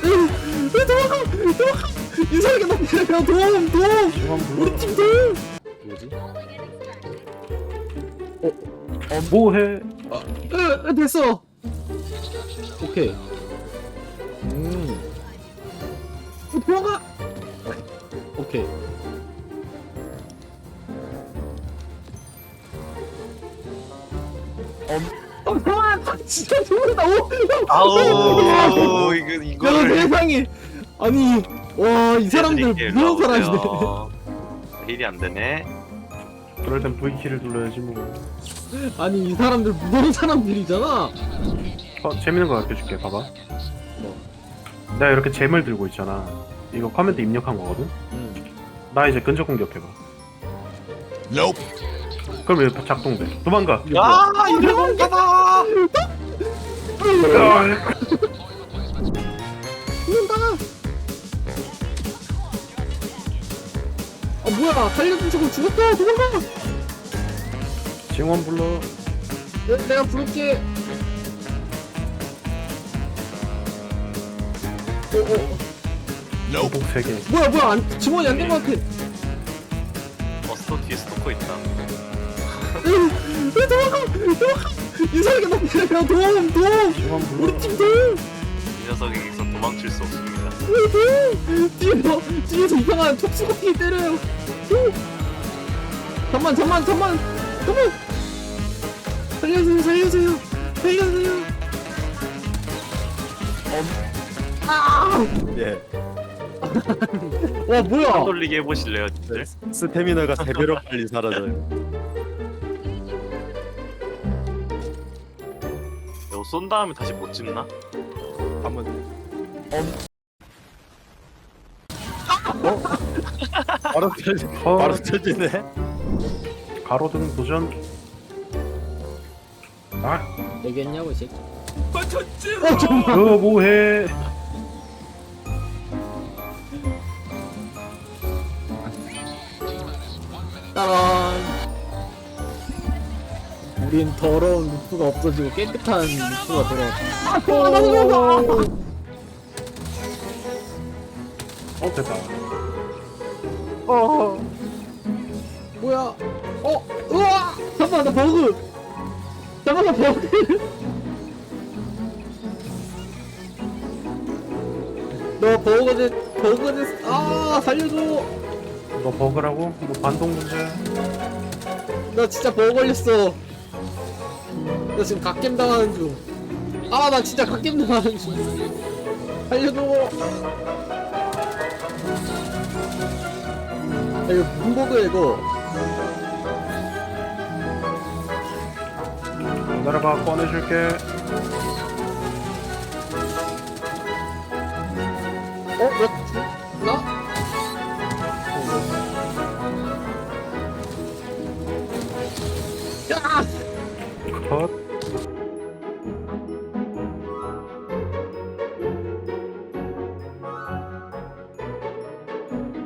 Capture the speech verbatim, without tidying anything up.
왜 도망가! 도망가! 이상하게 나 때려! 도움! 도움! 우리 팀 도움! 뭐지? 어? 어 뭐해? 아, 으, 으, 됐어! 오케이. 음. 어, 도망가! 오케이. 어, 도망가! 진짜 도망가! 오! 아우 이거 야, 이거를 세상에! 아니, 와, 이 사람들 무서운 사람이네. 힐이 안 되네. 그럴 땐 V키를 눌러야지 뭐. 아니, 이 사람들 무서운 사람들이잖아. 어 재밌는 거 알려줄게. 봐봐. 뭐? 내가 이렇게 잼을 들고 있잖아. 이거 커맨드 입력한 거거든. 응. 나 이제 근접 공격해봐. 그럼 이렇게 작동돼. 도망가. 야 이런 거다. 죽는다! 아, 뭐야, 살려준 척을 죽었다! 도망가! 징원 불러. 내, 내가 부를게. 어, 어, 보복 세 개. 뭐야, 뭐야, 안, 지원이 안 된 것 같아. 어 스토 뒤에 스토커 있다. 으, 으, 도망가! 도망가! 이상하게 나 때려! 도움! 도움! 징원 불러. 우리 팀 도움! 이 녀석에게서 도망칠 수 없습니다. 도움! 뒤에서, 뒤에서 이상한 촉수거기 때려요. 오! 잠만, 잠만, 잠만! 잠만! 살려주세요, 살려주세요! 살려주세요! 아! 예. 와, 뭐야! 돌리게 해보실래요, 님들? 스태미나가 세 배로 빨리 사라져요. 이거 쏜 다음에 다시 못 집나? 한번 바로 쳐지, 어, 바로 쳐지네. 가로등 도전. 아, 얘기했냐고, 이 새끼. 너 뭐해? 따란! 우린 더러운 루프가 없어지고 깨끗한 루프가 돌아왔다. 아, 도망가! 어 됐다. 어. 뭐야? 어? 우와! 잠깐만, 나 버그! 잠깐만, 버그! 너 버그가 됐, 버그가 됐, 아, 살려줘! 너 버그라고? 뭐 반동 문제야? 나 진짜 버그 걸렸어. 나 지금 갓겜 당하는 중. 아, 나 진짜 갓겜 당하는 중. 살려줘! 야, 이거 무슨 버그야, 이거? 기다려봐, 꺼내줄게. 어? 나 죽나? 야! 컷.